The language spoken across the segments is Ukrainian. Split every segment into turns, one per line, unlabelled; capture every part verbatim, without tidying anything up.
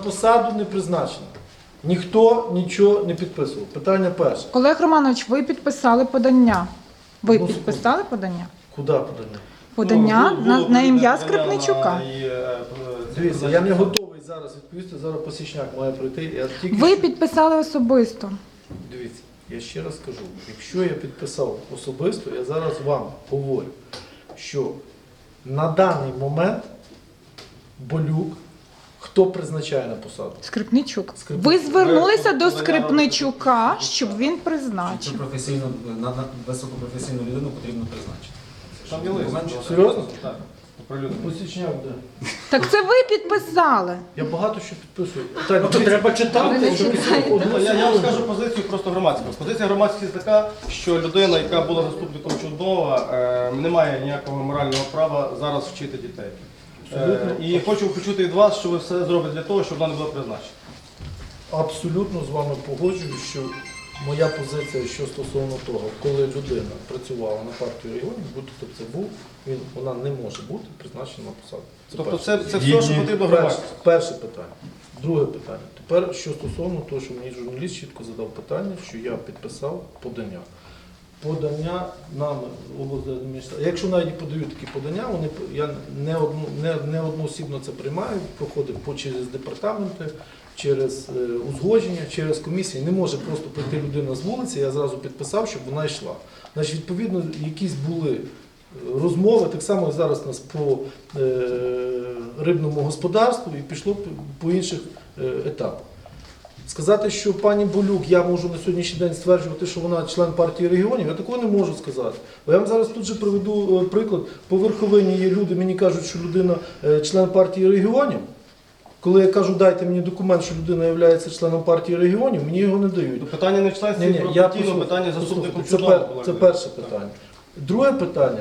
посаду не призначена. Ніхто нічого не підписував. Питання перше.
Олег Романович, ви підписали подання. Ви
Ну,
підписали подання?
Куди подання?
Подання
Ну,
на,
було
на ім'я
подання
Скрипничука.
на- і, е,
Дивіться, я не готовий зараз відповісти, зараз Посічняк має прийти. Я тільки
Ви
що-
підписали особисто.
Дивіться, я ще раз кажу, якщо я підписав особисто, я зараз вам говорю, що на даний момент Болюк, хто призначає на посаду?
Скрипничук.
Скрипничук.
Ви звернулися
Ви
до
подання
Скрипничука,
робите.
щоб він
Цю
призначив.
професійну, на, на високопрофесійну людину потрібно призначити.
Там є лист.
Документ, що-
Серйозно?
Так. Оприлюднено.
Посічняк, де?
Так це ви підписали.
Я багато що підписую. Так,
Ну, то треба читати.
Ви не читаєте.
Ну, Я, я вам скажу позицію просто громадську. Позиція громадськості така, що людина, яка була заступником Чуднова, е, не має ніякого морального права зараз вчити дітей. Е, і хочу почути від вас, що ви все зробите для того, щоб вона не була призначена.
Абсолютно з вами погоджуюсь, що моя позиція, що стосовно того, коли людина працювала на партію регіонів, будь-хто це був, він, вона не може бути призначена на посаду.
Тобто
перше.
це, це все, що потрібно
Перше,
громадськості.
перше питання. Друге питання. Тепер, що стосовно того, що мені журналіст чітко задав питання, що я підписав подання. Подання нам облдержадміністрації. Якщо навіть подають такі подання, вони я не одну не, не одноосібно це приймаю, проходить по через департаменти, через е, узгодження, через комісії. Не може просто прийти людина з вулиці, я зразу підписав, щоб вона йшла. Значить, відповідно, якісь були розмови, так само зараз у нас по е, рибному господарству і пішло по, по інших е, етапах. Сказати, що пані Болюк, я можу на сьогоднішній день стверджувати, що вона член партії регіонів, я такого не можу сказати. Бо я вам зараз тут же приведу е, приклад. По верховині є люди, мені кажуть, що людина е, член партії регіонів. Коли я кажу, дайте мені документ, що людина є членом партії регіонів, мені його не дають.
Ну, питання не в членстві
Ні-ні,
про
я
партійну,
послухаю,
питання заступником
послухайте, це,
Чуднова
пер-
було.
це перше питання. Друге питання.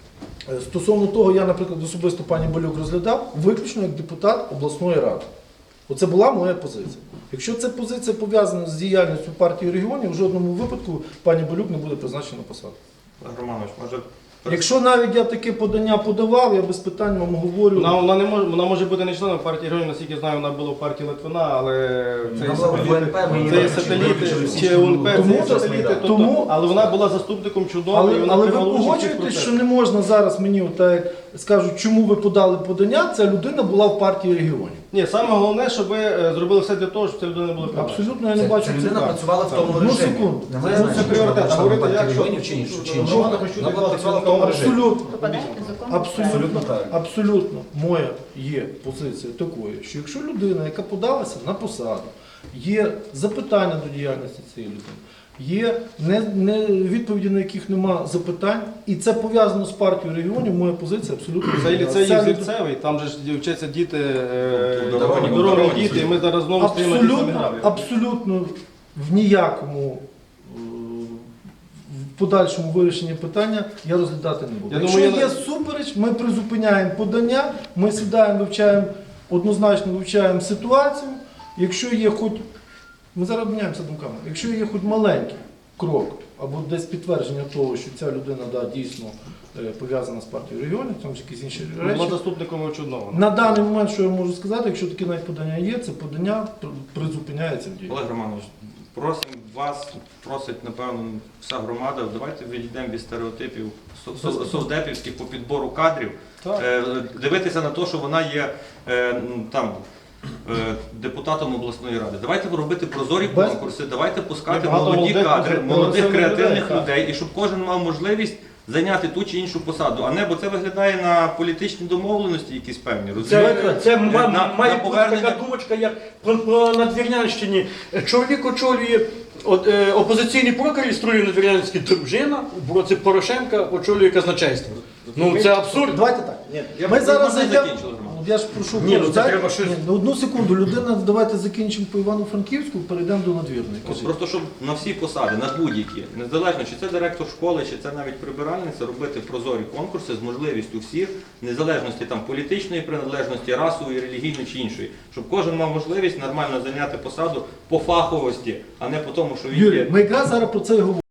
Е, Стосовно того, я, наприклад, особисто пані Болюк розглядав виключно як депутат обласної ради. Оце була моя позиція. Якщо ця позиція пов'язана з діяльністю партії регіонів, в жодному випадку пані Болюк не буде призначена на посаду.
Олег Романович, може
Якщо навіть я таке подання подавав, я без питань вам говорю.
Вона, вона, не може, вона може бути не членом партії регіонів, наскільки знаю, вона була в партії Литвина, але це
Вона
є
була в
сателіти,
УНП, ми її
це є
виключили,
сателіти,
виключили
чи
всі.
УНП, це
Тому-
є сателіти, тобто,
тому-
але вона була заступником Чуднова, і
Але,
вона
але ви
приймала участь у
погоджуєтесь,
процесі.
що не можна зараз мені, отак, як скажуть, чому ви подали подання, ця людина була в партії регіонів.
Ні, саме головне, щоб ви е, зробили все для того, щоб ця людина не була призначена.
Абсолютно я не
Це,
бачу
ця
цих
людина
так.
працювала в тому
Одну
режимі.
секунду.
Немає
Це-
значення,
це пріоритет.
вона
А говорити,
партії
як, що-
регіонів чи іншу, чи
що-
іншу.
Романа хочу
Вона
від
була
вас
працювала в тому режимі.
Абсолютно,
Попадаєте в закон.
абсолютно,
Абсолютно правильно.
абсолютно моя є позиція такою, що якщо людина, яка подалася на посаду, є запитання до діяльності цієї людини, є не, не, відповіді, на яких нема запитань, і це пов'язано з партією регіонів, моя позиція абсолютно.
Цей
зрозуміла.
ліцей
Ця
є
людина-
зірцевий, там же ж вчаться діти, е,
Дорогні,
дорогі
дорогні
діти, і ми зараз знову стоїмо на тій самій
Абсолютно,
грабі.
абсолютно в ніякому е, в подальшому вирішенні питання я розглядати не буду.
Я
Якщо
думаю, я
є
не-
супереч, ми призупиняємо подання, ми сідаємо, вивчаємо, однозначно вивчаємо ситуацію. Якщо є хоч, ми зараз обміняємося думками, якщо є хоч маленький крок або десь підтвердження того, що ця людина да, дійсно е, пов'язана з партією регіонів, там ж якісь інші речі.
Була заступником Чуднова.
На даний момент, що я можу сказати, якщо таке навіть подання є, це подання пр- призупиняється в дії.
Олег Романович, просимо вас, просить, напевно, вся громада, давайте відійдемо від стереотипів со- со- совдепівських по підбору кадрів,
Так.
Е, дивитися на те, що вона є е, м, там. е, депутатом обласної ради. Давайте робити прозорі
Без-
конкурси, давайте пускати
Є багато
молоді
молодих,
кадри,
прогресивних
молодих
людей,
креативних
так.
людей, і щоб кожен мав можливість зайняти ту чи іншу посаду. А не, бо це виглядає на політичні домовленості якісь певні. розумієте?
Це, це ма-
На-
має
на
бути
повернення-
така думочка, як про, про Надвірнянщині. Чоловік очолює от, е, опозиційний прокурор реєструє Надвірнянський дружина, в році Порошенка очолює казначейство. Ну це абсурд.
Давайте так.
Я
Ми
б-
зараз
можна
зайдемо.
закінчили, Роман?
Ну, Я ж прошу.
Ні, ну, це
дайте-
треба щось-
Ні, ну, одну секунду. Людина, давайте закінчимо по Івано-Франківську, перейдемо до надвірної.
От
Кажіть.
просто щоб на всі посади, на будь-які, незалежно чи це директор школи, чи це навіть прибиральниця, робити прозорі конкурси з можливістю всіх, незалежності там політичної приналежності, расової, релігійної чи іншої, щоб кожен мав можливість нормально зайняти посаду по фаховості, а не по тому, що він
Юрій,
є.
ми якраз зараз про це і говоримо.